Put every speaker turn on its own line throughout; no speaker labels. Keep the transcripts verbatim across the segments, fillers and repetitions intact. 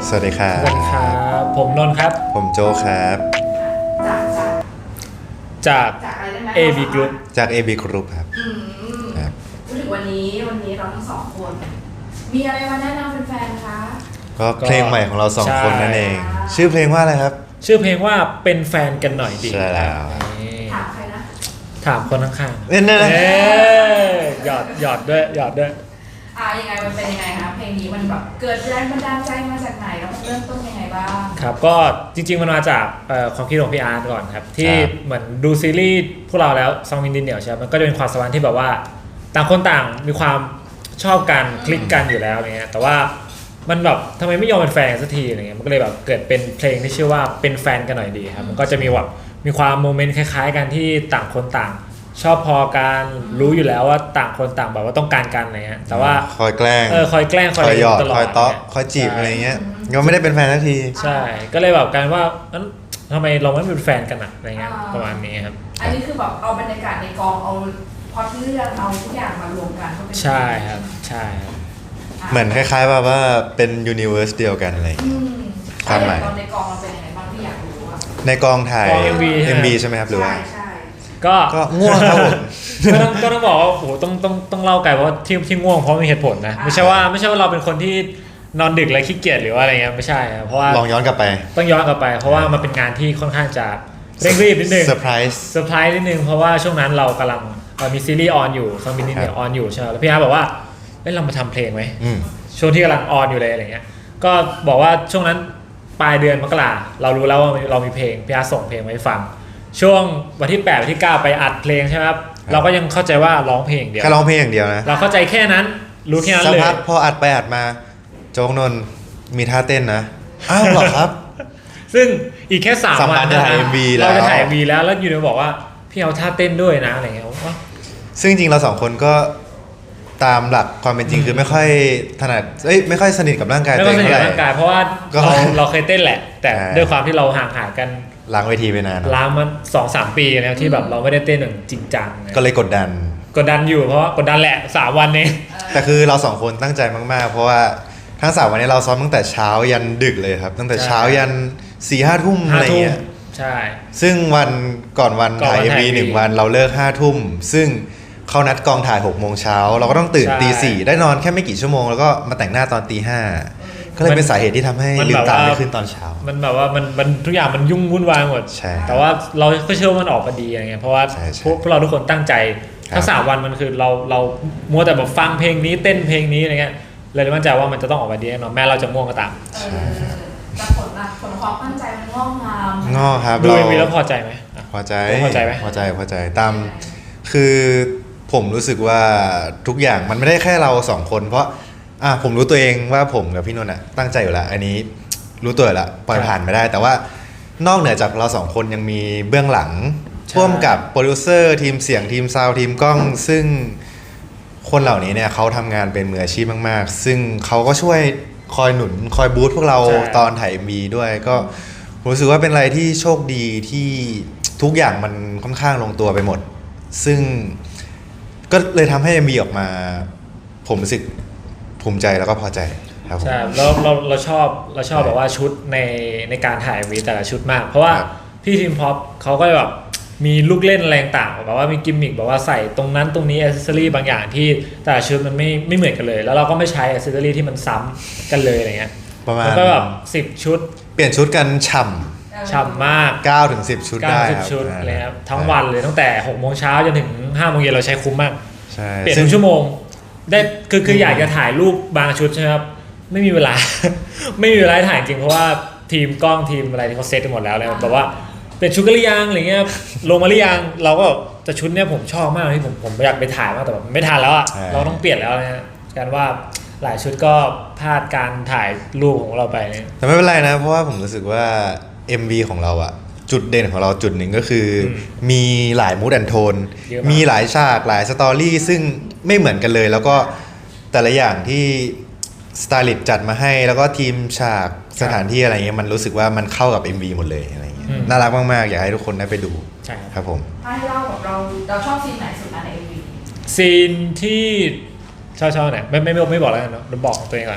สวัสดีครับ
สวัสดีครับผมนนท์ครับ
ผมโจครับ
จาก
จาก
จากอะไรได้ไหม
เอ บี Group
จาก เอ บี Group ครับ
อืม
ครับ
พูดถึงวันนี้วันนี้เราทั้งสองคนมีอะไรมาแนะนำแฟนๆคะ
ก็เพลงใหม่ของเราสอง
ใช่
คนนั่นเอง ชื่อเพลงว่าอะไรครับ
ชื่อเพลงว่าเป็นแฟนกันหน่อยดี
ใช่แล้ว
นี่
ถามใครนะ
ถามคนข้าง
เน่น
ๆ
นะ
เอ้ยหยอดหยอดด้วยหยอดด้วย
อ่ายังไงมันเป็นยังไงคะเพลงนี้มันแบบเกิดแรงบันดาลใจมาจากไหนแล้วมันเริ่มต้นยังไงบ้าง
ครับก็จริงๆมันมาจากเอ่อความคิดของพี่อาร์ตก่อนครับที่เหมือนดูซีรีส์พวกเราแล้วซองวินดินเหนียวใช่ไหมมันก็จะเป็นความสัมพันธ์ที่แบบว่าต่างคนต่างมีความชอบกันคลิกกันอยู่แล้วอะไรเงี้ยแต่ว่ามันแบบทำไมไม่ยอมเป็นแฟนสักทีอะไรเงี้ยมันก็เลยแบบเกิดเป็นเพลงที่ชื่อว่าเป็นแฟนกันหน่อยดีครับมันก็จะมีแบบมีความโมเมนต์คล้ายๆกันที่ต่างคนต่างชอบพอกันรู้อยู่แล้วว่าต่างคนต่างแบบว่าต้องการกันอะไรเงี้ยแต่ว่า
คอยแกล้ง
เออคอยแกล้งค
ค
อย
อยหยอด
ตลอด
คอยเตาะคอยจีบอะไรเงี้ยก็ไม่ได้เป็นแฟนสักที
ใช่ก็เลยแบบกันว่านั้นทำไมเราไม่เป็นแฟนกันอะอะไรเงี้ยประมาณนี้ครับ
อันนี้คือแบบเอาบรรยากาศในกองเอาพล็อตเรื่องเอาทุกอย่างมารวมกันก็เป็น
ใช่ครับใช่ครับ
เหมือนคล้ายๆแบบว่าเป็นยูนิเวอร์สเดียวกันอะไร
อืม
ความหมาย
ตอนในกองเราเป็นยังไงบ้างที่อยากรู้อะ
ในกองถ่าย
กอง เอ็ม วี
เอ็ม วี ใช่ไหมครับหรือว่า
ใช่ใช่
ก็
ก็ง่วงครับผม
ก็ต้องก็ต้องบอกว่าโอ้โหต้องต้องต้องเล่าไกลเพราะว่าที่ที่ง่วงเพราะมีเหตุผลนะไม่ใช่ว่าไม่ใช่ว่าเราเป็นคนที่นอนดึกและขี้เกียจหรือว่าอะไรเงี้ยไม่ใช่ครับเพราะว่า
ลองย้อนกลับไป
ต้องย้อนกลับไป เพราะว่ามันเป็นงานที่ค่อนข้างจะเร่งรีบนิดนึง
เซอร์ไพรส์
เซอร์ไพรส์นิดนึงเพราะว่าช่วงนั้นเรากำลังเอ่อมีซีรีส์ออนอยู่ซองบินนิดเดียวออนอยู่ใช่ไหมแล้วพี่อาร์บอกว่าเอ้ยเรามาทำเพลงไหม
อืม
ช่วงที่กำลังออนอยู่เลยอะไรเงี้ยก็บอกว่าช่วงนั้นปลายเดือนมกราเรารู้แล้วว่าเรามีเพลงพี่อาร์ส่งเพลงมาให้ฟังช่วงวันที่แปดวันที่เก้าไปอัดเพลงใช่ไหมครับเราก็ยังเข้าใจว่าร้องเพลงเดียว
แค่ร้องเพลงอย่างเดียวนะ
เราเข้าใจแค่นั้นรู้แค่นั้น
สัก
เลย
พักพออัดไปอัดมาโจ๊กนนท์มีท่าเต้นนะอ้าวเหรอครับ
ซึ่งอีกแค่สาม
สามวั
วัน
นจะถ่าย เอ็ม วี แล้ว
เราจะถ่าย เอ็ม วี แล้วแล้วอยู่ดีบอกว่าพี่เอาท่าเต้นด้วยนะอะไรเงี้ยว่า
ซึ่งจริงๆเราสองคนก็ตามหลักความเป็นจริงคือไม่ค่อยถนัดเอ้ยไม่ค่อยสนิทกับร่างกาย
ไม่
ตัว
ต้อ
เอง ง
สนิท
เท่าไห
กับ
ร่
ร่างกายเพราะว่า
ก็
เราเราเคยเต้นแหละ แต่
ใช่
ด้วยความที่เราห่างหายกัน
ล้างเวทีไปนาน
ล้างมาสองสามปีแล้วที่แบบเราไม่ได้เต้นอย่างจริงจัง
ก็เลยกดดัน
กดดันอยู่เพราะว่ากดดันแหละสามวันเอง
แต่คือเราสองคนตั้งใจมากๆ เพราะว่าทั้งสามวันนี้เราซ้อมตั้งแต่เช้ายันดึกเลยครับ ตั้งแต่เช้ายันสี่ห้าทุ่มอะไรเงี้ย
ใช่
ซึ่งวันก่อนวัน
ก่อน
ถ่าย
วัน
เอ็ม
ถ่าย
วี
เอ็มวี
หนึ่งวันเราเลิกห้าทุ่มซึ่งเขานัดกองถ่ายหกโมงเช้าเราก็ต้องตื่น
ใช่
ตีสี่ได้นอนแค่ไม่กี่ชั่วโมงแล้วก็มาแต่งหน้าตอนตีห้าก็เลยเป็นสาเหตุที่ทำให้
มัน
ลืมตา
แบบว่า
ไม่ขึ้นตอนเช้า
มันแบบว่ามันมันทุกอย่างมันยุ่งวุ่นวายหมด
ใช่
แต่ว่าเราก็เชื่อว่ามันออกมาดีอะไรเงี้ยเพราะว่า
ใช่ใช่
พวกพวกเราทุกคนตั้งใจ
ครับ
ทั้งสามวันมันคือเราเรามัวแต่แบบฟังเพลงนี้เต้นเพลงนี้อะไรเงี้ยเลยมั่นใจว่ามันจะต้องออกมาดีแน่นอนแม้เราจะง่วงก็ตาม
เออแต่ผลลัพธ์ผลความตั้งใจมันงอกงาม
งอครับ
ดู
เรา
เอ็มวีแล้วพอใจไหมอ่ะ
พอใจ
พอใจไหม
พอใจพอใจตามคือผมรู้สึกว่าทุกอย่างมันไม่ได้แค่เราสองคน เพราะอ่ะผมรู้ตัวเองว่าผมกับพี่นนท์อ่ะตั้งใจอยู่แล้วอันนี้รู้ตัวอยู่แล้วปล่อยผ่านไม่ได้ แต่ว่านอกเหนือจากเราสองคนยังมีเบื้องหลัง
ใช่
ร่วมกับโปรดิวเซอร์ทีมเสียงทีมซาวด์ทีมกล้อง ซึ่งคนเหล่านี้เนี่ยเขาทำงานเป็นมืออาชีพมากๆ ซึ่งเขาก็ช่วยคอยหนุนคอยบูสต์พวกเรา
ใช่
ตอนถ่าย เอ็ม วี ด้วยก็ผมรู้สึกว่าเป็นอะไรที่โชคดีที่ทุกอย่างมันค่อนข้างลงตัวไปหมด ซึ่งก็เลยทำให้ เอ็ม วี ออกมา ผมรู้สึกภูมิใจแล้วก็พอใจครับผม
ใช่เราเราเราชอบเราชอบแบบว่าชุดในในการถ่าย เอ็ม วี แต่ละชุดมาก เพราะว่า
ครับ
พี่ทีมพ็อปเขาก็แบบมีลูกเล่นอะไรต่างๆแบบว่ามีกิมมิคแบบว่าใส่ตรงนั้นตรงนี้อิสเซอรี่บางอย่างที่แต่ละชุดมันไม่ไม่เหมือนกันเลย แล้วเราก็ไม่ใช้อิสเซอรี่ที่มันซ้ำกันเลยอะไรเงี้ย
ประมาณ
แล้วก็แบบสิบชุด
เปลี่ยนชุดกันฉ่
ฉ่ำมาก
ำเก้าถึงสิบชุด
เก้า
ได้
สิบ
ครับ
ชุดเลยครับทั้งวันเลยตั้งแต่หกโมงเช้าจนถึงห้าโมงเย็นเราใช้คุ้มมาก
ใช่
เปลี่ยน
ซึ่
ทุ
ง
กชั่วโมงได้คือคืออยากจะถ่ายรูปบางชุดใช่ไหมครับไม่มีเวลา ไม่มีเวลาถ่ายจริงเพราะว่าทีมกล้องทีมอะไรที่เขาเซตกันหมดแล้วเลยแบบว่าเป็นชุดกันหรือยังอะไรเงี้ยลงมาหรือยังเราก็แต่ชุดเนี้ยผมชอบมากที่ผมผมอยากไปถ่ายมากแต่แบบไม่ทันแล้วอ่ะเราต้องเปลี่ยนแล้วนะฮะการว่าหลายชุดก็พลาดการถ่ายรูปของเราไปเนี่ย
แต่ไม่เป็นไรนะ เพราะว่าผมรู้สึกว่า เอ็ม วี ของเราอะจุดเด่นของเราจุดหนึ่งก็คืออ
ม
มีหลายมูดแอนโทน
เยอะมาก
มีหลายฉากหลายสตอรี่ซึ่งไม่เหมือนกันเลย แล้วก็แต่ละอย่างที่สไตลิสต์จัดมาให้ แล้วก็ทีมฉากสถานที่อะไรเงี้ยมันรู้สึกว่ามันเข้ากับ เอ็ม วี หมดเลยอะไรเงี้ยน่ารักมากๆ อยากให้ทุกคนได้ไปดู
ใช่ครับ
ครับผม
ถ้าให้เล่าแบบเราเราชอบซีนไหนสุดนะใน เอ็ม วี
ซีนที่ชอบชอบไหนไม่ไม่ไม่ไม่บอกแล้วกันเนาะเราบอกของตัวเองก่อน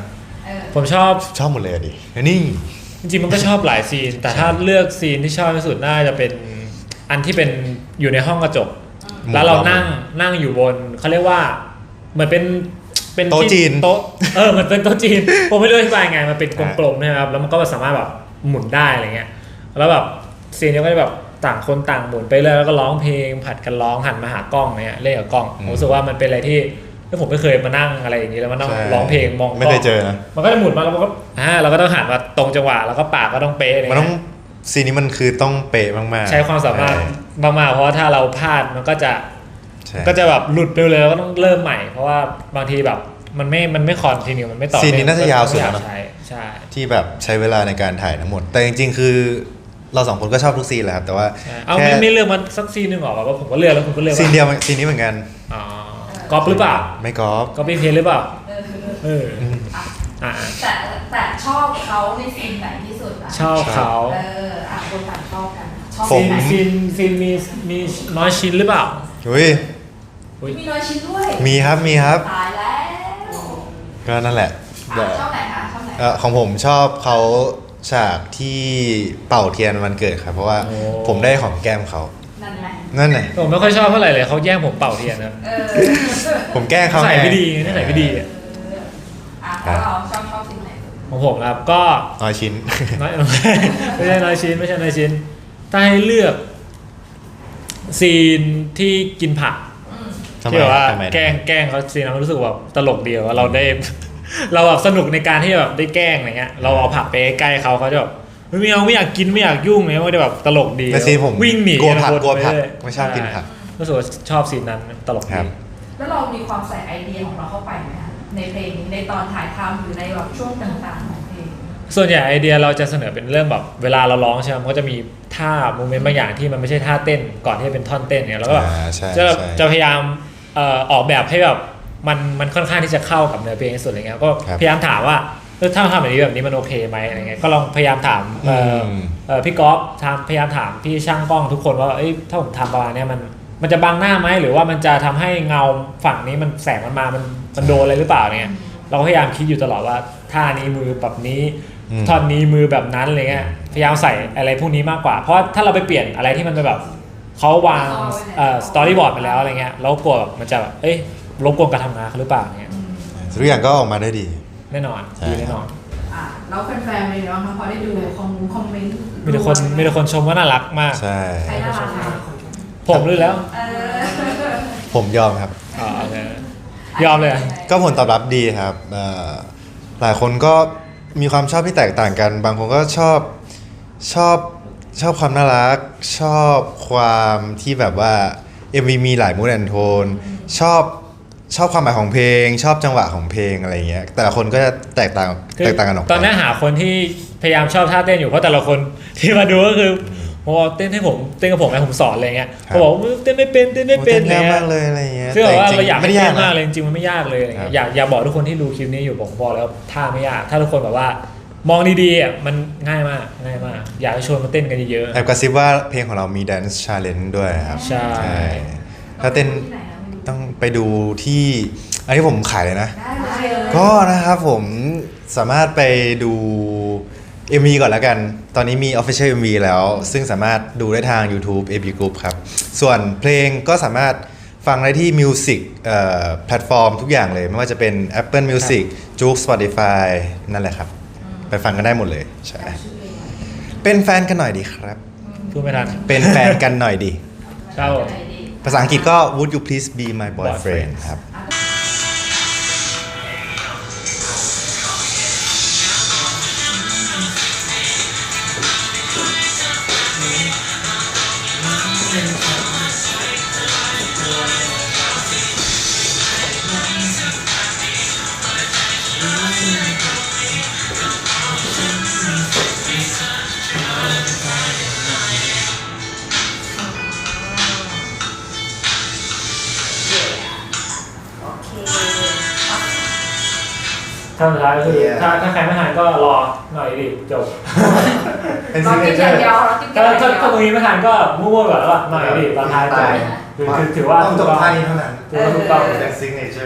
เออ
ผมชอบ
ชอบหมดเลยอะดินี่
จริงๆมันก็ชอบหลายซีน แต่ถ้าเลือกซีนที่ชอบที่สุดน่าจะเป็นอันที่เป็นอยู่ในห้องกระจก แล้วเรานั่งนั่งอยู่บนเขาเรียกว่าเหมือนเป็นเป็น
โต๊ะจีน
โต๊ะเออเหมือนเป็นโต๊ะจีนผมไม่รู้อธิบายไงมันเป็นกลมๆนะครับแล้วมันก็สามารถแบบหมุนได้อะไรเงี้ยแล้วแบบซีนนี้ก็จะแบบต่างคนต่างหมุนไปเรื่อยแล้วก็ร้องเพลงผัดกันร้องหันมาหากล้องเนี่ยเล่นกับกล้องผมรู้สึกว่ามันเป็นอะไรที่ที่ผมไม่เคยมานั่งอะไรอย่างนี้แล้วมานั่งร้องเพลงมองกล้อง
ไม่เคยเจอนะ
มันก็จะหมุนมาแล้วมันก็อ่าเราก็ต้องหันมาตรงจังหวะแล้วก็ปากก็ต้องเป๊ะอะไร
มันต้อ
เงี้
ง
ย
ซีนนี้มันคือต้องเป๊ะมากๆ
ใช้ความสามารถ
ใช่
มากๆเพราะว่าถ้าเราพลาดมันก็จะ
ใช่
ก็จะแบบหลุดไปเลยแล้วก็ต้องเริ่มใหม่ เพราะว่าบางทีแบบมันไม่มันไม่คอนทีนิวมันไม่ต่อ
ซีนนี้น่าจะยาวสุด
แล้
แล้ว วนะ
ใช่ใช่
ที่แบบใช้เวลาในการถ่ายทั้งหมด แต่จริงๆ คือเราสองคนก็ชอบทุกซีนแหละครับ แต่ว่า
ใช่เอา
แค่
ไม่ไม่เลือกมันสักซีนหนึ่งหรอว่าผมก็เลือกแล้วคุณก็เลือก
ซีนเดียวซีนนี้เหมือนกัน
อ๋อกอปหรือเปล่า
ไม่กอล์ฟ
กอปปี้เพลหรือเปล่า
เออ
เออ
อืม
อ่า
แต่แต่ชอบเขาในซีนไหนที่สุดอะ
ชอบเขา
เอออ่ะคนต่างชอบกันชอบ
ผ
ซี
ม
น
ไหน
ซีนซีนมีมีน้อยชิ้นหรือเปล่า
อุ้ย
อุ๊ย
มีน้อยชิ้นด้วย
มีครับมีครับ
ตายแล้ว
ก็นั่นแหละ
อ่ะชอบไหนคะชอบไหน
เอ่อของผมชอบเขาฉากที่เป่าเทียนวันเกิดครับ เพราะว่า
โอ้
ผมได้ของแก้มเขา
นั่นไง
นั่นไง
ผมไม่ค่อยชอบเท่าไหร่เลยเขาแย่งผมเป่าเทียนนะ
เออ
ผมแกล้งเขา
ใส่
ไง
ไม่ดีนี่ใส่ไม่ดีอะ
อ่ะแล้วเราชอบชอบซีนไหน
ของผมครับก็
น้อยชิ้น
น้อย ไม่ใช่น้อยชิ้นไม่ใช่น้อยชิ้นถ้าให้เลือกซีนที่กินผัก
อืม
ทำไม
ที่แบบว่า
ทำไม
แกล้งแกล้งเขาซีนนั้นรู้สึกแบบตลกเดียวว่าเราได้ เราแบบสนุกในการที่แบบได้แกล้งอะไรเงี้ยเราเอาผักไปใกล้เขาเขาจะแบบเฮ้ยไม่เอาไม่อยากกินไม่อยากยุ่งเลยมันจะแบบตลกดี
ในซีนผม
วิ่งหนี
กลัวผัก
คน
กลัวผัก
ปเรื่ย
ไม่ชอบกินผัก
รู้สึกว่าชอบซีนนั้นตลก
ครั
ดี
บ
แล้วเรามีความใส่ไอเดียของเราเข้าไปไหมคะในเพลงนี้ในตอนถ่ายทำหรือในแบบช่วงต่างๆของเพลง
ส่วนใหญ่ไอเดียเราจะเสนอเป็นเรื่องแบบเวลาเราร้องใช่ไหมมันก็จะมีท่าโมเมนต์บางอย่างที่มันไม่ใช่ท่าเต้นก่อนที่จะเป็นท่อนเต้นเนี่ยเราก็แบบ
อ่าใช่
จะ
ใช่
จะพยายามเอ่อออกแบบให้แบบมันมันค่อนข้างที่จะเข้ากับเนื้อเพลงที่สุดอะไรเงี้ยก็
ครับ
พยายามถามว่าเออถ้าทำแบบนี้แบบนี้มันโอเคไหมอะไรเงี้ยก็ลองพยายามถามเอ่ออ
ม
เอ่อพี่ก๊อฟทำพยายามถามพี่ช่างกล้องทุกคนว่าเอ้ยถ้าผมทำประมาณเนี้ยมันมันจะบังหน้าไหมหรือว่ามันจะทำให้เงาฝั่งนี้มันแสงมันมามันมันโดนอะไรหรือเปล่าเนี่ยเราก็พยายามคิดอยู่ตลอดว่าท่านี้มือแบบนี้
อืม
ท่อนนี้มือแบบนั้นอะไรเงี้ยพยายามใส่อะไรพวกนี้มากกว่า เพราะถ้าเราไปเปลี่ยนอะไรที่มันเป็นแบบเขาวางเอ่อสตอรี่บอร์ดไปแล้วอะไรเงี้ยแล้วกลัวแบบมันจะแบบเอ้ยรบกวนการทำงานเขาหรือเปล่าเงี้ย
ทุกอย่างก็ออกมาได้ดี
แน่นอน
ใช่
ดีแน่นอน
อ่ะแล้วแฟนๆเป็นยังไงบ้างคะพอได้ดูคอมคอมเมนต์
มีแต่คนมีแต่คนชมว่าน่ารักมาก
ใช่
ใครน่ารักคะ
ผมรู้แล้ว
เออ
ผมยอมครับ
อ๋อโอเคยอมเลยอะ
ก็ผลตอบรับดีครับเอ่อหลายคนก็มีความชอบที่แตกต่างกัน บางคนก็ชอบชอบชอบความน่ารัก ชอบความที่แบบว่า เอ็ม วี มีหลายมูดแอนโทนชอบชอบความหมายของเพลง ชอบจังหวะของเพลงอะไรเงี้ยแต่ละคนก็จะแตกต่าง
คือ
แตกต่างกันออกไป
ตอนนี้หาคนที่พยายามชอบท่าเต้นอยู่เพราะแต่ละคนที่มาดูก็คือพอเต้นให้ผมเต้นกับผมไงผมสอนอะไรเงี้ยเขาบอกว่าเต้นไม่เป็นเต้นไม่
โอ้
เป็น
เต้น
อะไร
ยาก
เงี้
มาย กเลยอะไรเงี้ย
ซึ่งแบบว่า
แต่จ
เราอยาก
ไม่
ให้
ได้
เต้
ยาก
นมาก
นะ
เลยจริงๆมันไม่ยากเลยอะไร
ครั
เงี้
บ
ยอยากอยากบอกทุกคนที่ดูคลิปนี้อยู่ผมบอกแล้วท่าไม่ยากถ้าทุกคนแบบว่า มองดีๆอ่ะมันง่ายมากง่ายมาก อยากให้ชวนมาเต้นกันเยอะ
แอบกระซิบว่าเพลงของเรามี Dance Challenge ด้วยครับ
ใช่
ถ้าเต้น
ที่ไหนนะไม่รู้
ต้องไปดูที่ อันนี้ผมขายเลยนะ
ได้เลย
ก็นะครับผมสามารถไปดู เอ็ม วี ก่อนแล้วกัน ตอนนี้มี Official เอ็ม วี แล้ว ซึ่งสามารถดูได้ทาง YouTube เอ บี Group ครับ ส่วนเพลงก็สามารถฟังได้ที่ Music เอ่อแพลตฟอร์มทุกอย่างเลย ไม่ว่าจะเป็น Apple Music Joox Spotify นั่นแหละครับ ไปฟังกันได้หมดเลย ใช่ เป็นแฟนกันหน่อยดีครับ
ๆพูดไม่ทัน
เป็นแฟนกันหน่อยดี
ครับผม
ภาษาอังกฤษก็ Would you please be my boyfriend ครับ
ท่าสุดท้ายก็คือ
Yeah.
ถ้าถ้าใครไม่ทันก็รอหน่อยดิจบ
เป็น
เรากินอย่างเดียวเรากินอ
ถ้า
ย่างเดี
ถ้า
ยว
ถ้าตรงนี้ไม่ทันก็มั่วๆก่อนแล้วก็หน่อยดิตอนท้ายจบคือคือถือว่า
ต้องจบท่านี้เท่านั้น
ถือว่าถูกต้อง
เป็น signature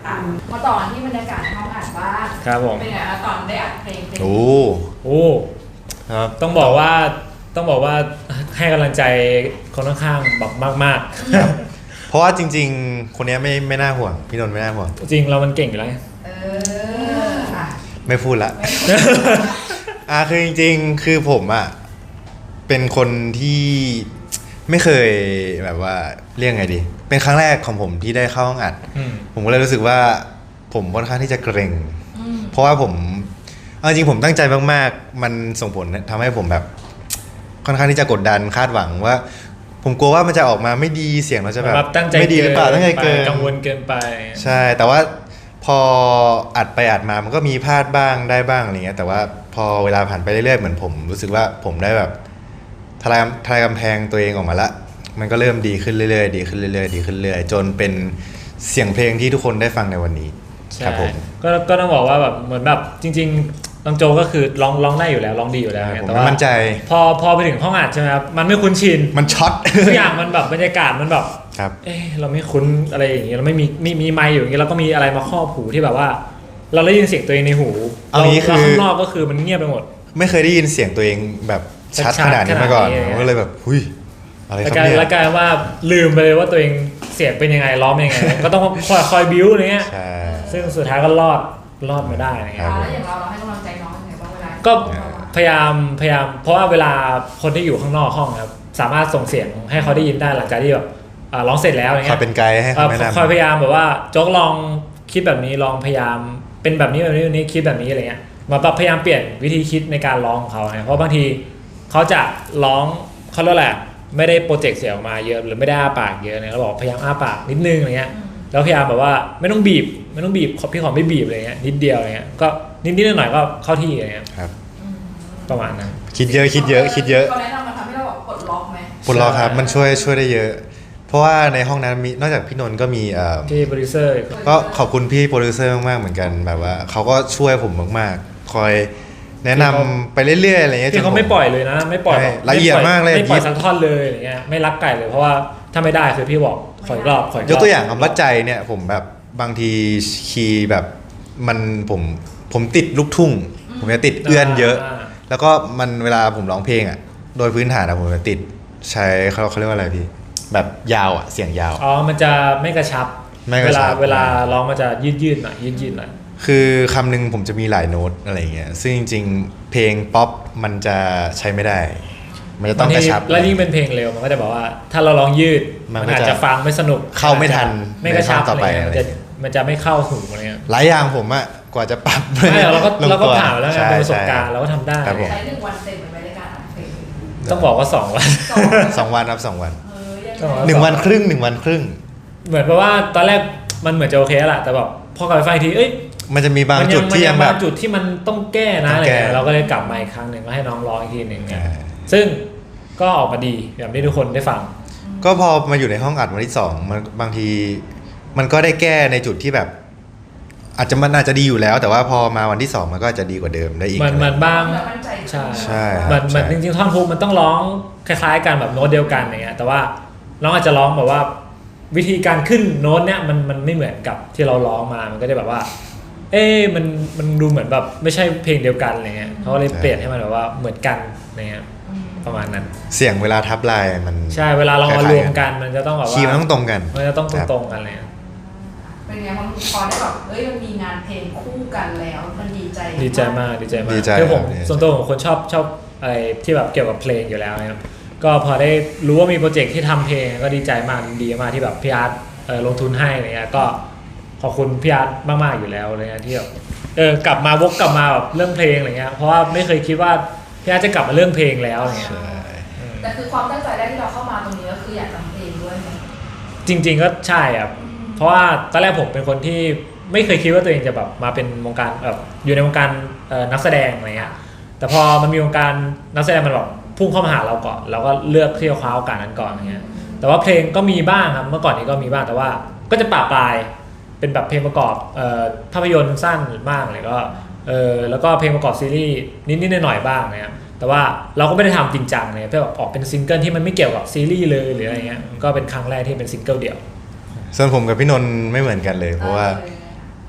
อ่ะมาต่อที่บรรยากาศในห้องอัดบ้าง
ครับผม
เป็นไงคะตอนได้อัดเพลงเพลง
โอ้
โอ้
ครับ
ต้องบอกว่าต้องบอกว่าให้กำลังใจคนข้างๆแบบมาก
เพราะว่าจริง ๆ คนเนี้ยไม่ไม่น่าห่วงพี่นนท์ไม่น่าห่วง
ๆ จริงเรามันเก่งอยู่แล้วไง
เอออ่ะ
ไม่พูดละ อ่าคือจริงๆ คือผมอ่ะเป็นคนที่ไม่เคยแบบว่าเรียกไงดี เป็นครั้งแรกของผมที่ได้เข้าห้องอัด
อืม
ผมก็เลยรู้สึกว่าผมค่อนข้างที่จะเกรง
อืม
เพราะว่าผมเอาจริงผมตั้งใจมากๆ มันส่งผลทำให้ผมแบบ ค่อนข้างที่จะกดดันคาดหวังว่า ผมกลัวว่ามันจะออกมาไม่ดีเสียงเราจะแบบ
แบบตั้งใจ
ไม่ดีหรือเปล่าตั้งใจเกิน
กังวลเกินไป
ใช่ แต่ว่าพออัดไปอัดมามันก็มีพลาดบ้างได้บ้างอะไรเงี้ยแต่ว่าพอเวลาผ่านไปเรื่อยๆเหมือนผมรู้สึกว่าผมได้แบบทลายทลายกำแพงตัวเองออกมาละมันก็เริ่มดีขึ้นเรื่อยๆดีขึ้นเรื่อยๆดีขึ้นเรื่อยๆจนเป็นเสียงเพลงที่ทุกคนได้ฟังในวันนี้
ใช่
ครับผม
ก็ก็ต้องบอกว่าแบบเหมือนแบบจริงๆน้องโจก็คือร้องร้องได้อยู่แล้วร้องดีอยู่แล้ว
ผม
แต่ว่า
มั่นใจ
พอพอไปถึงห้องอัดใช่ไหมครับมันไม่คุ้นชิน
มันช็อต
ทุกอย่างมันแบบบรรยากาศมันแบบ
ครับ
เอ๊ะเราไม่คุ้นอะไรอย่างเงี้ยเราไม่มีมีมีไมค์อยู่อย่างเงี้ยแล้วก็มีอะไรมาครอบหูที่แบบว่า เราได้ยินเสียงตัวเองในหู
เอางี้คือ
แล้วข้างนอกก็คือมันเงียบไปหมด
ไม่เคยได้ยินเสียงตัวเองแบบชัด
ชัด
ขนาดนี้มาก่อน
ขนาดนี้
ผมก็เลยแบบหุยอะไรค
แล้ว
รับ
กลาย
เนี่ย
แล้วกลายว่าลืมไปเลยว่าตัวเองเสียงเป็นยังไงร้องเป็นยังไง ก็ต้องคอยคอยบิ้วอะไรเงี้ย
ใช่
ซึ่งสุดท้ายก็รอดรอดมาได้อะไร
ครั
เงี้
บ
ย
แล้วอย่างเราเราให้กำลังใจน้องยังไงบ้างเวลา
ก็พยายามพยายามเพราะว่าเวลาคนที่อยู่ข้างนอกห้องครับสามารถส่งเสียงให้เขาได้ยินได้หลังจากที่แบบอ่าร้องเสร็จแล้วอะไร
ขอ
เงี้ย
เป็นไกด์ให้
เอ่อ
คำแนะนำ
คอยพยายามแบบว่าโจ๊กลองคิดแบบนี้ลองพยายามเป็นแบบนี้แบบนี้แบบนี้คิดแบบนี้อะไรเงี้ยมาปรับพยายามเปลี่ยนวิธีคิดในการร้องของเขาเนี่ยเพราะบางทีเขาจะร้องเขาเรียกแหละไรไม่ได้โปรเจกต์เสียงออกมาเยอะหรือไม่ได้อ้าปากเยอะเนี่ยเราบอกพยายามอ้าปากนิดนึงอะไรเงี้ยแล้วพยายามแบบว่าไม่ต้องบีบไม่ต้องบีบขอพี่ขอไม่บีบอะไรเงี้ยนิดเดียวอะไรเงี้ยก็นิดนิดหน่อยๆก็เข้าที่อะไรเงี้ย
ครับ
ประมาณนั้น
คิดเยอะคิดเยอะคิดเยอะ
เขาแนะนำมาทำให้เราแบบปลดล็อกไหม
ปลดล็อกครับมันช่วยช่วยได้เยอะ เพราะว่าในห้องนั้นมีนอกจากพี่นนท์ก็มีเอ่อ
ที่โปรดิวเซอร์
ก็ขอบคุณพี่โปรดิวเซอร์มากๆเหมือนกันแบบว่าเขาก็ช่วยผมมากๆ คอยแนะนำไปเรื่อยๆอะไรเงี้ย
ที่เขาไม่ปล่อยเลยนะไม่ปล่อย
ใช่
แบบ
ละเอียดมากเลย
ไม่ปล่อยสักท่อนเลยอย่างเงี้ยไม่รักไก่เลยเพราะว่าถ้าไม่ได้คือพี่บอกขออีกรอบขออีกรอบ
ยกตัวอย่างคำว่าใจเนี่ยผมแบบบางทีคีย์แบบมันผมผมติดลูกทุ่ง ผมจะติดเอื้อนเยอะ แล้วก็มันเวลาผมร้องเพลงอ่ะโดยพื้นฐานอะผมจะติดใช้เขาเขาเรียกว่าอะไรพี่แบบยาวอ่ะเสียงยาว
อ๋อมันจะไม่กระชับ
ไม่ก
เว
ระชั
ลา
บ
เวลาร้องมันจะยืดยืดๆหน่อยยืดยืดๆหน่อย
คือคำหนึ่งผมจะมีหลายโน้ตอะไรเงี้ยซึ่งจริงๆ เพลงป๊อปมันจะใช้ไม่ได้ มันจะต้องกระชับ
แล้วยิ่งเป็นเพลงเร็วมันก็จะบอกว่า ถ้าเราร้องยืด
มัน
มัน
ก็
อาจ
จะ
จะฟังไม่สนุก
เข้าไม่ทัน
ไม่กระชับ
ในช่องต่อไป
อะไรเงี้ยมันจะ
อะไรเงี้ย
มันจะไม่เข้าหูอะไรเงี้ย
หลายอย่างผมอะกว่าจะปรับ
ไม่เราก็
ลง
เราก็
ตัว
ผ่านมาแล้วไง
ใช่
เป็นประสบ
ใช่
การณ์เราก็ทำได้
ครับผม
ใช้หนึ่งวันเต็มเป็นรายการอัดเพลง
ต้องบอกว่าสองวัน
สอง
สองวันครับสองวัน
เออยัง
ต้อง
ไง
หนึ่งวันครึ่งหนึ่งวันครึ่ง
เหมือนแปลว่าตอนแรกมันเหมือนจะโอเคแล้วแหละแต่แบบพอกลับไปฟังอีกทีเอ้ย
มันจะมีบาง
มัน
จุดที่
ยั
ยัง
ง
แบ
บา
บ
งจุดที่มันต้องแก้นะ
ต้อง
อะไร
แก้
เงี้ยเราก็เลยกลับมาอีกครั้งหนึ่งมาให้น้องร้องอีกทีหนึ่งเนี่ย
อ่า
ซึ่งก็ออกมาดีแบบที่ทุกคนได้ฟัง
ก็พอมาอยู่ในห้องอัดวันที่สองมันบางทีมันก็ได้แก้ในจุดที่แบบ อาจจะมันอาจจะดีอยู่แล้ว แต่ว่าพอมาวันที่สองมันก็อาจจะดีกว่าเดิมได้อีก
มันมันบ้าง
แบบมั่นใจ
ใช่
ใช่ครับ
มันมัน
ใช่
จริงๆท่อนฮุกมันต้องร้องคล้ายๆกันแบบโน้ตเดียวกันอย่างเงี้ยแต่ว่าน้องอาจจะร้องแบบว่า วิธีการขึ้นโน้ตเนี้ยมันมันไม่เหมือนกับที่เราร้องมามันก็จะแบบว่า เอ๊ะมันมันดูเหมือนแบบไม่ใช่เพลงเดียวกันอะไรเงี้ยเขาเลยเปลี่ยนให้มันแบบว่าเหมือนกันอะไรเงี้ยประมาณนั้น
เสียงเวลาทับลายมัน
ใช่เวลาเรามา
คล้ายๆ
รวมกันมันจะต้องแบบว่า
คีย์มันต้องตรงกัน
มันจะต้อง
ครับ
ตรงๆกันเลย
เป็นไงพอพอได้แบบเอ้ยมันมีงานเพลงคู่กันแล้วมันดีใจ
ดีใจมากดีใจมาก
ดีใจ
คือผม
ครับดีใจ
ส่วนตัวผมคนชอบชอบอะไรที่แบบเกี่ยวกับเพลงอยู่แล้วนะครับก็พอได้รู้ว่ามีโปรเจกต์ที่ทำเพลงก็ดีใจมากดีมากที่แบบพี่อาร์ตเอ่อลงทุนให้อะไรเงี้ยก็ขอบคุณพี่อาร์ตมากๆอยู่แล้วอะไรเงี้ยที่แบบเออกลับมาวกกลับมาแบบเรื่องเพลงอะไรเงี้ยเพราะว่าไม่เคยคิดว่าพี่อาร์ตจะกลับมาเรื่องเพลงแล้วอะไรเงี้ย
ใช่
แต่คือความตั้งใจแรกที่เราเข้ามาตรงนี้ก็คืออยากทำเพลงด้วยไหม
จริง ๆก็ใช่ครับเพราะว่าตอนแรกผมเป็นคนที่ไม่เคยคิดว่าตัวเองจะแบบมาเป็นวงการแบบอยู่ในวงการเอ่อนักแสดงอะไรเงี้ยแต่พอมันมีวงการนักแสดงมันแบบพุ่งเข้ามาหาเราก่อนเราก็เลือกที่จะคว้าโอกาสนั้นก่อนอย่างเงี้ยแต่ว่าเพลงก็มีบ้างครับเมื่อก่อนนี้ก็มีบ้างแต่ว่าก็จะปะปลายเป็นแบบเพลงประกอบเอ่อภาพยนตร์สั้นบ้างเลยก็เออแล้วก็เพลงประกอบซีรีส์นิดๆหน่อยๆบ้างนะครับแต่ว่าเราก็ไม่ได้ทำจริงจังเลยเพื่อแบบออกเป็นซิงเกิลที่มันไม่เกี่ยวกับซีรีส์เลยหรืออะไรเงี้ยก็เป็นครั้งแรกที่เป็นซิงเกิลเดี่ยว
ส่วนผมกับพี่นนท์ไม่เหมือนกันเลย เพราะว่า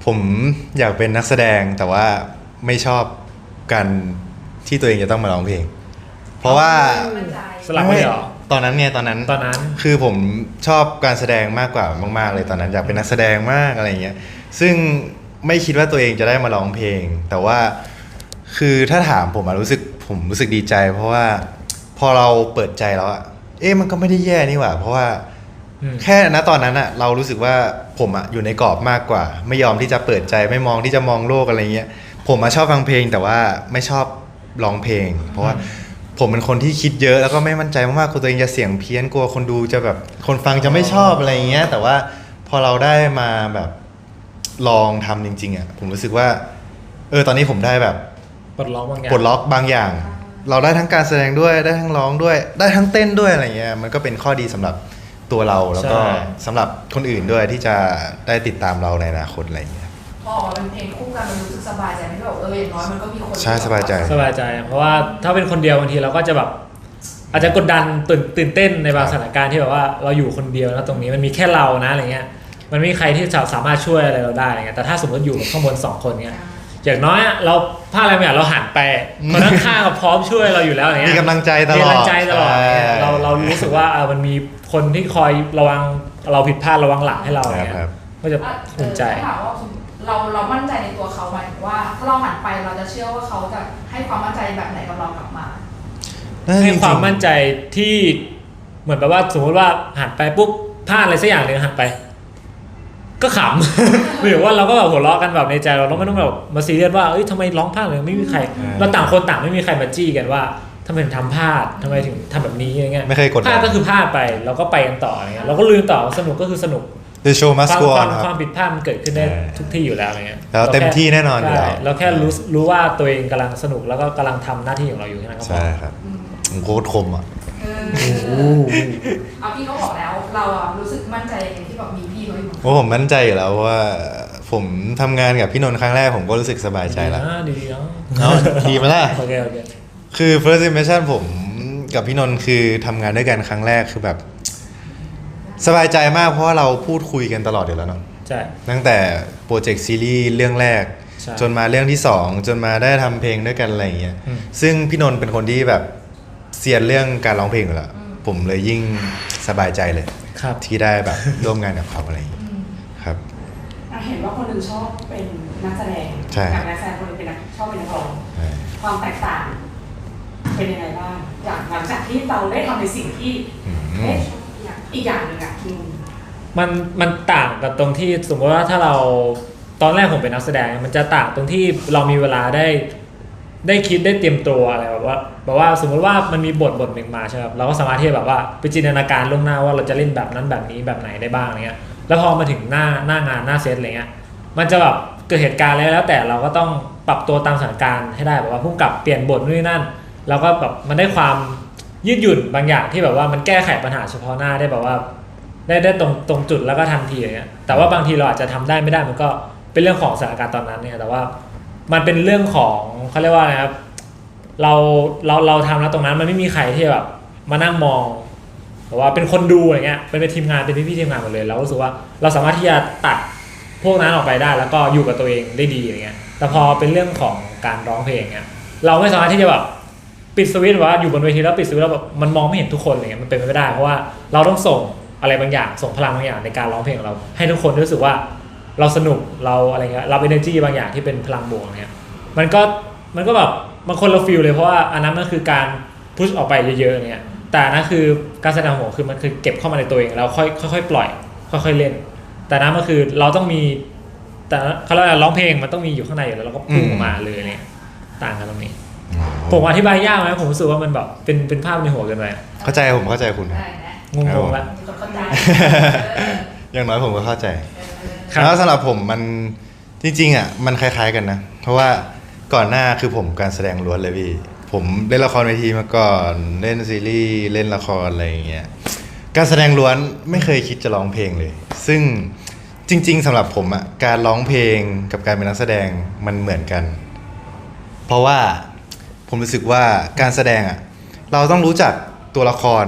ผมอยากเป็นนักแสดงแต่ว่าไม่ชอบการที่ตัวเองจะต้องมาร้องเพลง เพราะว่า
มั่นใจ
สลับไม่เหรอ
ตอนนั้นเนี่ยตอนนั้น
ตอนนั้น
คือผมชอบการแสดงมากกว่ามากๆเลยตอนนั้นอยากเป็นนักแสดงมากอะไรเงี้ยซึ่งไม่คิดว่าตัวเองจะได้มาร้องเพลง แต่ว่าคือถ้าถามผมอะรู้สึกผมรู้สึกดีใจ เพราะว่าพอเราเปิดใจแล้วอะเอ๊ะมันก็ไม่ได้แย่นี่หว่า เพราะว่า
อืม
แค่ณตอนนั้นอะเรารู้สึกว่าผมอะอยู่ในกรอบมากกว่า ไม่ยอมที่จะเปิดใจไม่มองที่จะมองโลกอะไรเงี้ยผมมาชอบฟังเพลงแต่ว่าไม่ชอบร้องเพลง เพราะว่าผมเป็นคนที่คิดเยอะแล้วก็ไม่มั่นใจมากๆกลัวตัวเองจะเสียงเพี้ยนกลัวคนดูจะแบบคนฟังจะไม่ชอบอะไรเงี้ยแต่ว่าพอเราได้มาแบบลองทำจริงๆอะผมรู้สึกว่าเออตอนนี้ผมได้แบบ
ปลดล็อกบางอย่าง
ปลดล็อกบางอย่าง เราได้ทั้งการแสดงด้วยได้ทั้งร้องด้วย ได้ทั้งเต้นด้วยอะไรเงี้ยมันก็เป็นข้อดีสำหรับตัวเราแล้วก็
ใช่
สำหรับคนอื่นด้วยที่จะได้ติดตามเราในอนาคตอะไรเงี้ย
พอออกมาเป็นเพลงคู่กันมันรู้สึกสบายใจไหมที่แบบเอออย่างน้อยมันก็มีคน
ใช่สบายใจ
สบายใจ เพราะว่าถ้าเป็นคนเดียวบางทีเราก็จะแบบ อาจจะกดดันตื่นตื่นเต้นในบาง
ครับ
สถานการณ์ที่แบบว่าเราอยู่คนเดียวนะตรงนี้มันมีแค่เรานะอะไรเงี้ยมันไม่มีใครที่จะสามารถช่วยอะไรเราได้อะไรเงี้ยแต่ถ้าสมมติอยู่กับข้างบนสองคนเงี้ยอย่างน้อยอะเราพลาดอะไรไม่อยากเราหันไปคนข้างๆก็พร้อมช่วยเราอยู่แล้วอะไรเงี้ย
มีกำลังใจตลอด
มีกำลังใจตลอด
ใช่
เนี่ยเราเรารู้สึกว่าเออมันมีคนที่คอยระวังเราผิดพลาดระวังหลังให้เรา
ครับ
เนี่ย
ครับ
ก็จะ
อ่ะเอ
ภู
อ
มิใจ
ถามว่าเราเรามั่นใจในตัวเขาไหมายถึงว่า ถ้าเราหันไปเราจะเชื่อว่าเขาจะให้ความมั่นใจแบบไหนกับเรากลับมา
ให้ความมั่นใจที่เหมือนแบบว่าสมมติว่าหันไปปุ๊บพลาดอะไรสักอย่างหนึ่งหันไป ก็ขำ หรือว่าเราก็แบบหัวเราะกันแบบในใจเราเราไม่ต้องแบบมาซีเรียสว่าเอ้ยทำไมร้องพลาดเลยไม่มีใคร
อ่า
เราต่างคนต่างไม่มีใครมาจี้กันว่าทำไมถึงทำพลาดทำไมถึงทำแบบนี้อะไรเงี้ย
ไม่เคยกดดัน
พลาดก็คือพลาดไปเราก็ไปกันต่ออะไรเงี้ยเราก็ลืมต่อสนุกก็คือสนุก
The show
ค
must
วาม
go
ควา
on
ม
ค
ควา
รับ
มผิดพลาดมันเกิดขึ้นได้
ใช่
ทุกที่อยู่แล้วอะไรเงี้ย
แล้วเต็มที่แน่นอนอยู่แล้ว
ใช่เราแค่รู้รู้ว่าตัวเองกำลังสนุกแล้วก็กำลังทำหน้าที่ของเราอยู่แค่นั้นก็พอ
ใช่ครับผมโคตรคมอ่ะ
เออเอาพี่เขาบอกแล้ว เราอะรู้สึกมั่นใจในที่แบบมีพี่เขาอยู่
เพราะผมมั่นใจอยู่แล้วว่าผมทำงานกับพี่นนท์ครั้งแรกผมก็รู้สึกสบายใจแล้ว
ดีนะดีๆเนาะ
เอาดีไหมล่ะ
โอเคโอเค
คือ first impression ผมกับพี่นนท์คือทำงานด้วยกันครั้งแรกคือแบบ สบายใจมากเพราะว่าเราพูดคุยกันตลอดอยู่แล้วเนาะ
ใช่
ตั้งแต่โปรเจกต์ซีรีส์เรื่องแรก
ใช่
จนมาเรื่องที่สองจนมาได้ทำเพลงด้วยกันอะไรอย่างเงี้ย
อืม
ซึ่งพี่นนท์เป็นคนที่แบบเซียนเรื่องการร้องเพลงอยู่แล้วผมเลยยิ่งสบายใจเลย
ครับ
ที่ได้แบบ ร่วมงานกับเขาอะไรอย่างเงี้ยครับ
อ่ะเห็นว่าคนหนึ่งชอบเป็นนักแสดง
ใช่
กับนักแสดงคนหนึงเป็นนักชอบเป็นนักร้อง
ใช่
ความแตกต่าง เป็นยังไงบ้างจากหลังจากที่เราได้ทำในสิ่งที่
อืม
เอ๊ะอีกอย่างหนึ่งอ่ะอืม
มันมันต่างกับตรงที่สมมติว่าถ้าเราตอนแรกผมเป็นนักแสดงมันจะต่างตรงที่เรามีเวลาได้ได้คิดได้เตรียมตัวอะไรแบบว่าแบบว่าสมมติว่ามันมีบทบทหนึ่งมาใช่ไหมครับเราก็สามารถที่จะแบบว่าไปจินตนาการล่วงหน้าว่าเราจะเล่นแบบนั้นแบบนี้แบบไหนได้บ้างอะไรเงี้ยแล้วพอมาถึงหน้าหน้างานหน้าเซตอะไรเงี้ยมันจะแบบเกิดเหตุการณ์อะไรแล้วแต่เราก็ต้องปรับตัวตามสถานการณ์ให้ได้แบบว่าพุ่งกับเปลี่ยนบทนู่นนี่นั่นแล้วก็แบบมันได้ความยืดหยุ่นบางอย่างที่แบบว่ามันแก้ไขปัญหาเฉพาะหน้าได้แบบว่า ได้ได้ตรงตรงจุดแล้วก็ทันทีอย่างเงี้ยแต่ว่าบางทีเราอาจจะทำได้ไม่ได้มันก็เป็นเรื่องของสถานการณ์ตอนนั้นเนี่ยแต่ว่ามันเป็นเรื่องของเขาเรียกว่าอะไรครับเราเราเราทำแล้วตรงนั้นมันไม่มีใครที่แบบมานั่งมองแต่ว่าเป็นคนดูอะไรเงี้ยเป็นเป็นทีมงานเป็นพี่ๆทีมงานหมดเลยเรารู้สึกว่าเราสามารถที่จะตัดพวกนั้นออกไปได้แล้วก็อยู่กับตัวเองได้ดีอย่างเงี้ยแต่พอเป็นเรื่องของการร้องเพลงเงี้ยเราไม่สามารถที่จะแบบปิดสวิตช์ว่าอยู่บนเวทีแล้วปิดสวิตช์แล้วแบบมันมองไม่เห็นทุกคนอะไรเงี้ยมันเป็นไปไม่ได้เพราะว่าเราต้องส่งอะไรบางอย่างส่งพลังบางอย่างในการร้องเพลงของเราให้ทุกคนรู้สึกว่าเราสนุกเราอะไรเงี้ยเรา energy บางอย่างที่เป็นพลังบวกเนี่ยมันก็มันก็แบบบางคนเราฟีลเลยเพราะว่าอันนั้นมันคือการพุชออกไปเยอะๆเนี่ยแต่นั่นคือการแสดงของผมคือมันคือเก็บเข้ามาในตัวเองแล้วค่อยค่อยๆปล่อยค่อยๆเล่น แต่นั้นมันคือเราต้องมีแต่เขาเรียกว่าร้องเพลงมันต้องมีอยู่ข้างในอยู่แล้วเราก็พุ่งออกมาเลยเนี่ยต่างกันตรงนี้ ผมอธิบายยากไหมผมรู้สึกว่ามันแบบเป็นเป็นภาพในหัวเกินไป
เข้าใจผมเข้าใจคุณครับ
ได้นะ
งงๆแล้ว
มีคนเข้าใจ
อย่างน้อยผมก็เข้าใจ
ครับ
แล้วสำหรับผมมันจริงๆอ่ะมันคล้ายๆกันนะ เพราะว่าก่อนหน้าคือผมการแสดงล้วนเลยพี่ ผมเล่นละครเวทีมาก่อนเล่นซีรีส์เล่นละครอะไรอย่างเงี้ยการแสดงล้วนไม่เคยคิดจะร้องเพลงเลย ซึ่งจริง ๆสำหรับผมอ่ะการร้องเพลงกับการเป็นนักแสดงมันเหมือนกัน เพราะว่าผมรู้สึกว่าการแสดงอ่ะเราต้องรู้จักตัวละคร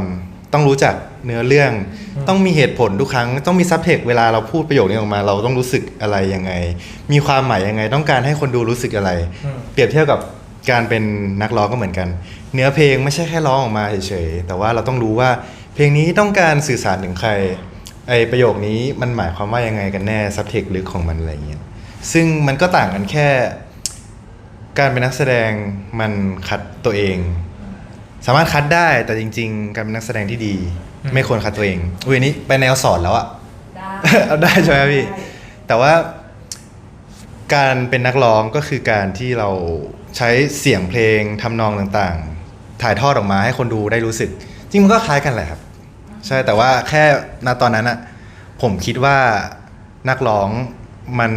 ต้องรู้จักเนื้อเรื่อง ต้องมีเหตุผลทุกครั้ง ต้องมีซับเทคเวลาเราพูดประโยคนี้ออกมา เราต้องรู้สึกอะไรยังไง มีความหมายยังไง ต้องการให้คนดูรู้สึกอะไร
อืม
เปรียบเทียบกับการเป็นนักร้องก็เหมือนกัน เนื้อเพลงไม่ใช่แค่ร้องออกมาเฉยๆแต่ว่าเราต้องรู้ว่าเพลงนี้ต้องการสื่อสารถึงใครไอประโยคนี้มันหมายความว่ายังไงกันแน่ซับเทคลึกของมันอะไรเงี้ยซึ่งมันก็ต่างกันแค่ การเป็นนักแสดงมันคัดตัวเอง สามารถคัดได้แต่จริง ๆ การเป็นนักแสดงที่ดี
อืม
ไม่ควรคัดตัวเองอุ้ยอันนี้ไปแนวสอนแล้วอะ
ได้
เอาได้ใช่ไหมพี่ แต่ว่าการเป็นนักร้องก็คือการที่เราใช้เสียงเพลงทำนองต่างๆ ถ่ายทอดออกมาให้คนดูได้รู้สึก จริงมันก็คล้ายกันแหละครับ ใช่แต่ว่าแค่ณตอนนั้นอะผมคิดว่านักร้องมัน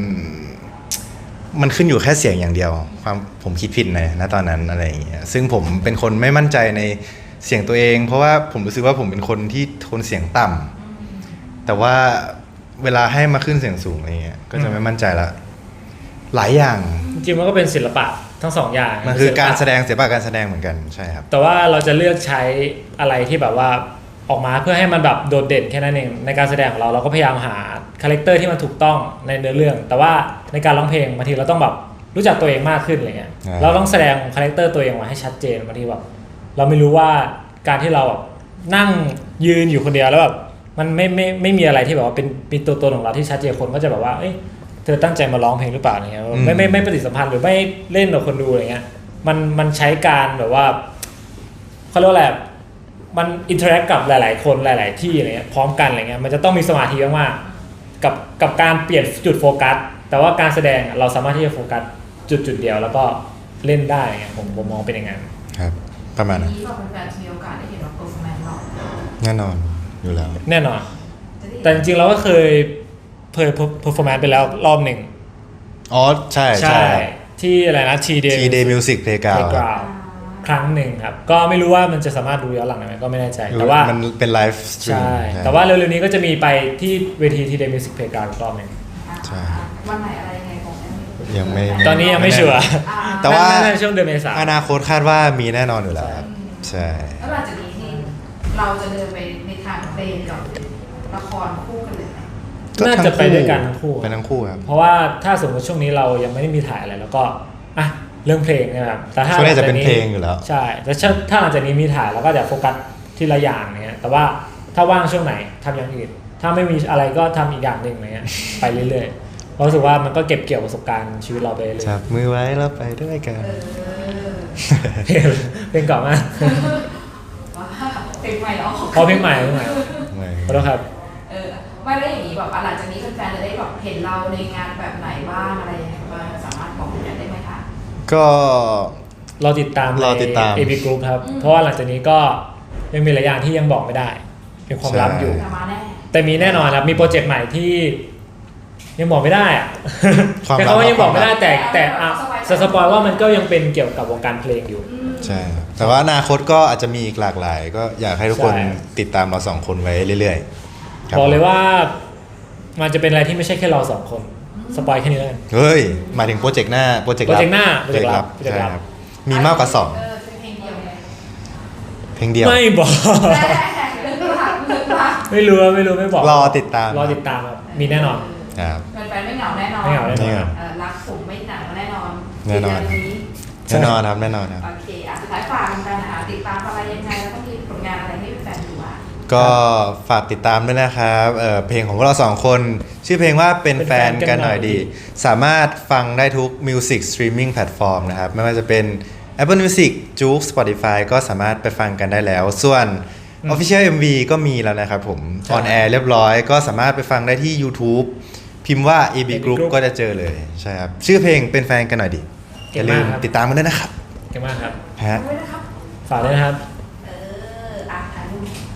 มันขึ้นอยู่แค่เสียงอย่างเดียว ความผมคิดผิดนะณตอนนั้นอะไรอย่างเงี้ยซึ่งผมเป็นคนไม่มั่นใจในเสียงตัวเอง เพราะว่าผมรู้สึกว่าผมเป็นคนที่โทนเสียงต่ำแต่ว่าเวลาให้มาขึ้นเสียงสูงอะไรเงี้ยก็จะไม่มั่นใจละหลายอย่าง
จริงๆมันก็เป็นศิลปะทั้งสองอย่าง
มันคือการแส
ศิลปะ
ดงศิลปะการแสดงเหมือนกันใช่ครับ
แต่ว่าเราจะเลือกใช้อะไรที่แบบว่าออกมาเพื่อให้มันแบบโดดเด่นแค่นั้นเองในการแสดงของเราเราก็พยายามหาคาแรคเตอร์ที่มันถูกต้องในเนื้อเรื่อง แต่ว่าในการร้องเพลงบางทีเราต้องแบบรู้จักตัวเองมากขึ้นอะไรเงี้ย
อ่า
เราต้องแสดงคาแรคเตอร์ตัวเองมาให้ชัดเจนบางทีแบบเราไม่รู้ว่าการที่เราแบบนั่งยืนอยู่คนเดียวแล้วแบบมันไม่ไม่ไม่มีอะไรที่แบบว่าเป็นเป็นตัวตนของเราที่ชัดเจนคนก็จะแบบว่าเอ้ยเธอตั้งใจมาร้องเพลงหรือเปล่าอะไรเงี้ยไม่ไม่ไม่ปฏิสัมพันธ์หรือไม่เล่นกับคนดูอะไรเงี้ยมันมันใช้การแบบว่าเขาเรียกว่าอะไรมันอินเทอร์แอคกับหลาย ๆ คนหลาย ๆ ที่อะไรเงี้ยพร้อมกันอะไรเงี้ยมันจะต้องมีสมาธิมากๆกับกับการเปลี่ยนจุดโฟกัสแต่ว่าการแสดงเราสามารถที่จะโฟกัสจุดจุดเดียวแล้วก็เล่นได้ไงผมผมมองเป็นอย่างนั้น
ครับประมาณนั้น
นี้เราเป็นแฟนมีโอกาสได้เห็นเราเปิดแมนหรอ
แน่นอนอยู่แล้ว
แน่นอน
จะได้
แต่จริงๆเราก็เคยเคยเพอร์ฟอร์แมนซ์ไปแล้วรอบหนึ่ง
อ๋อใช่ใช่
ที่อะไรนะทีเด
ทีเดย์มิวสิกเพลย์กราว
ครั้งหนึ่งครับ ก็ไม่รู้ว่ามันจะสามารถดูย้อนหลังได้ไหมก็ไม่แน่ใจ แต่ว่า
มันเป็นไลฟ์สตรีม
ใช่ แต่ว่าเร็วๆนี้ก็จะมีไปที่เวทีทีเดมิวสิกเพลย์กราวรอบหนึ่ง
ใช่
วันไหนอะไรยังไงบอกได้ไหม
ยังไม่
ตอนนี้ยังไม่ชัวร์
อ่า
แต่ว่า
น่จะช่วงเดือนเมษา
อนาคตคาดว่ามีแน่นอนอยู่แล้วครับใช่
แล้วหลังจากนี้ที่เราจะเดินไปในทางเพลงกับละครคู่กันเลยไหม
น่าจะไปด้วยกันทั้งคู่
ไปทั้งคู่ครับ
เพราะว่าถ้าสมมติช่วงนี้เรายังไม่ได้มีถ่ายอะไรแล้วก็อ่ะเรื่องเพลงเนะครับแต่ถ้า
ช่วงนี้จะเป็นเพลงอยู่แล้ว
ใช่แต่ถ้าถ้าหลังจากนี้มีถ่ายแล้วก็จะโฟกัสทีละอย่างเนี้ยแต่ว่าถ้าว่างช่วงไหนทำอย่างอื่น ถ้าไม่มีอะไรก็ทำอีกอย่างหนึ่งอะไรเงี้ยไปเรื่อยๆเพราะรู้สึกว่ามันก็เก็บเกี่ยวประสบการณ์ชีวิตเราไปเรื่อย
จับมือไว้แล้วไปด้วยกัน
เออ
ๆเพลงเพลงเก่ามาก
ว่าเพลงใหม่เหรอ
เพราะเพลงใหม่เพลงใหม่ขอโทษครับ
เออไม่ได้อย่างนี้แบบหลังจากนี้แฟนๆจะได้แบบเห็นเราในงานแบบไหนบ้างอะไรยังไงบ้างสามารถบอกได้ไหมคะ
ก็
รอติดตาม
รอติดตาม
ใน เอ พี Group ครับ เพราะว่าหลังจากนี้ก็ยังมีหลายอย่างที่ยังบอกไม่ได้ เป็นความลับอยู่
จะมาแน่
แต่มีแน่นอนครับ มีโปรเจกต์ใหม่ที่ยังบอกไม่ได้อะ
ความลับ
แต่เขาว่ายังบอกไม่ได้แต่แต่อ่ะ
สบายใจ
จะสปอยว่ามันก็ยังเป็นเกี่ยวกับวงการเพลงอยู่
อืม
ใช่ครับแต่ว่าอนาคตก็อาจจะมีอีกหลากหลาย ก็อยากให้ทุกคน
ใช่
ติดตามเราสองคนไว้เรื่อยๆครับ
บอกเลยว่ามันจะเป็นอะไรที่ไม่ใช่แค่เราสองคน สปอยแค่นี้แล้วกัน
เฮ้ยหมายถึงโปรเจกต์หน้าโปรเจกต์
โปรเจกต์หน้า
โปรเจกต์ลับ
โปรเจกต์
ใช่
ลับ
ครับมีมากกว่าสอง
เออเป็นเพลงเดียวเลย
เพลงเดียว
ไม่บอก
แม่เรื่องรักเรื่องรัก
ไม่รู้ไม่รู้ไม่บอก
รอติดตาม
รอติดตามครับมีแน่นอน
ครับ
แฟนๆไม่เหงาแน่นอน
ไม่เหงาแน่นอน
ไม่เหงา
เออรักผมไม่หนักแน่นอน
แน่นอน
เดืนี้
แน่นอนครับแน่นอนครับ
โอเคอ่ะสุดท้ายฝากกันนะคะติดตามอะไรยังไงแล้วก็มีผลงานอะไรให้แฟนๆดูอ่ะ
ก็ฝากติดตามด้วยนะครับเอ่อเพลงของพวกเราสองคน ชื่อเพลงว่าเป็นแฟนกันหน่อยดี สามารถฟังได้ทุก Music Streaming Platform นะครับ ไม่ว่าจะเป็น Apple Music, Juke, Spotify ก็สามารถไปฟังกันได้แล้ว ส่วน Official เอ็ม วี ก็มีแล้วนะครับผม
ใช่
on air เรียบร้อย ก็สามารถไปฟังได้ที่ YouTube พิมพ์ว่า เอ บี Group
Group
ก็จะเจอเลยใช่ครับชื่อเพลงเป็นแฟนกันหน่อยดีอ
เก่
ย่าง ลื
มาก
ม
ครับ
ติดตามกันด้วยนะครับ
เก่งมากครับ
ฮะ
ด้วยนะครับ
ฝากด้วยนะครับ
เอออ่ะถ่ายรูป